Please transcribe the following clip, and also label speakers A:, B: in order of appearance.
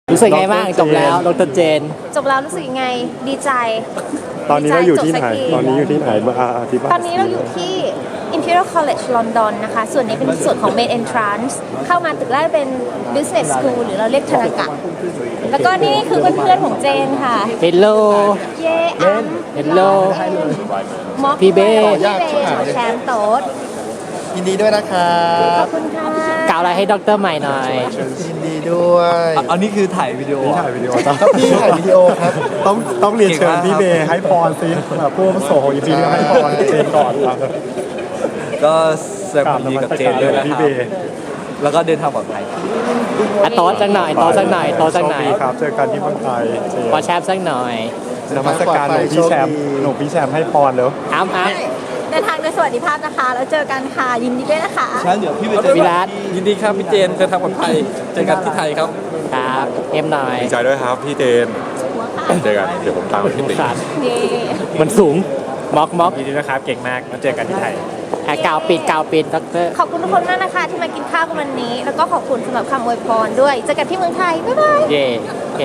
A: รู้สึกไงบ้างจบแล้วดรเจน
B: จบแล้วรู้สึกยังไงดีใจ
C: ตอนนี้เราอยู่ที่ไหน
B: จบสักที
C: ตอนนี้อยู่ที่ไหนมาอธิบาย
B: ตอนนี้เราอยู่ที่ Imperial College London นะคะส่วนนี้เป็นส่วนของ Main Entrance เข้ามาตึกแรกเป็น Business School หรือเราเรียกธนากะแล้วก็นี่คือเพื่อนๆของเจนค่ะ
A: เฮลโล
B: เย่อัม
A: Hello
B: ม็อก
A: พี่เบ้
B: แชมป์โต๊ด
D: ยินดีด้วยนะครั
B: ขอ
D: บบ
B: คุณค่ะ
A: กล่าวอะไรให้ดรใหม่หน่อย
D: ยินดีด้วย
E: อันนี้คือถ่ายวิดีโอ
C: ถ่ายวิดีโอ
D: ครับพี่ถ่ายวิดีโอครับ
C: ต้องเรียนเชิญพี่เบย์ให้พรสิผู้อาวุโสของอีพีนี้ให้พรเจนก่อนครับ
E: ก็แสดงความยินดีกับเจนด้วยนะ
C: พี่
E: ค
C: เบ
E: รับ
C: ย์
E: แล้วก็เดินทางปลอดภัย
A: อ่ะโต๊ะสักหน่อยโต๊ะสักหน่อยโต๊ะสักหน่อย
C: โชคดีครับเจอกันที่เมืองไทยเจน
A: ขอแชมป์สักหน่อย
C: นมัสการหลวงพี่แชมป์หลวงพี่แชมป์ให้พรแล้ว
A: อ้ำ
B: เดินทางโดยสวัสดิภาพนะคะแล้วเจอกันค่ะยินดีด้วยนะคะ
E: งั้นเดี๋ยวพี่
A: วิรัต
E: ยินดีครับพี่เจนเดินทางปลอดภัยเจอกันที่ไทยครับ
A: ครับเอ็มหน่อย
F: ดีใจด้วยครับพี่เจนเจอกันเดี๋ยวผมตามไปที่ตึก
A: ขาด
B: เย่
A: มันสูงม็อก
C: ยินดีนะครับเก่งมากมาเจอกันที่ไทย
A: อ่ะกาวปิดดร
B: ขอบคุณทุกคนมากนะคะที่มากินข้าวกันวันนี้ แล้วก็ขอบคุณสำหรับคำอวยพรด้วยเจอกันที่เมืองไทยบ๊ายบาย
A: เย่